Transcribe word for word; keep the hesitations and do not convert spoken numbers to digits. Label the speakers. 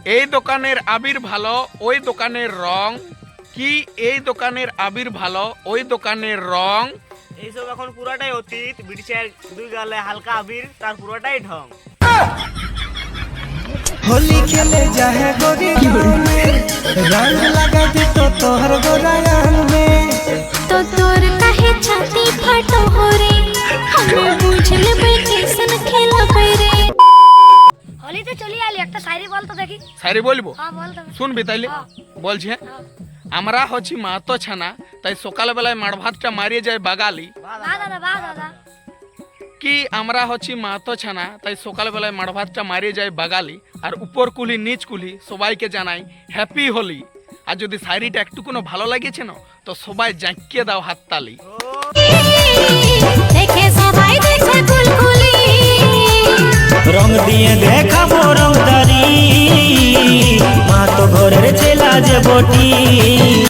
Speaker 1: এই দোকানের আবির ভালো ওই দোকানের রং কি, এই দোকানের আবির ভালো ওই দোকানের রং।
Speaker 2: এইসব এখন পুরাটাই অতীত, ব্রিটিশের দুই গালে হালকা আবির তার পুরোটাই ঢং।
Speaker 3: होली खेले जाहे गोरी गाँव में, रंग लगा दी तो तोहर गोरायान में।
Speaker 4: तो तोर काहे छाती फटो हो रे, हमें बुझ लेबे कैसन खेलबे रे। होली तो चली आली, একটা শায়রি বল তো দেখি।
Speaker 1: শায়রি বলবো?
Speaker 4: হ্যাঁ বল তো।
Speaker 1: শুনবি তাইলে? বলছি হ্যাঁ। আমরা হচ্ছি মাহাতো ছানা, তাই সকালবেলায় মাড় ভাতটা মারিয়ে যায় বাগালি।
Speaker 4: বাহ দাদা বাহ দাদা।
Speaker 1: কি আমরা হচ্ছি মাহাতো ছানা, তাই সকালবেলায় মাড় ভাতটা মারিয়ে যায় বাগালি। আর উপর কুলি নিচ কুলি সবাইকে জানাই হ্যাপি হোলি। আর যদি শায়রিটা একটুকুনো ভালো লাগেছে না তো সবাই জাঁকিয়ে দাও হাততালি।
Speaker 4: দেখে সবাই দেখে কুলকুলি,
Speaker 3: রং দিয়ে দেখাবো রংদারি, মা তো ঘরের ছেলা যে বটি।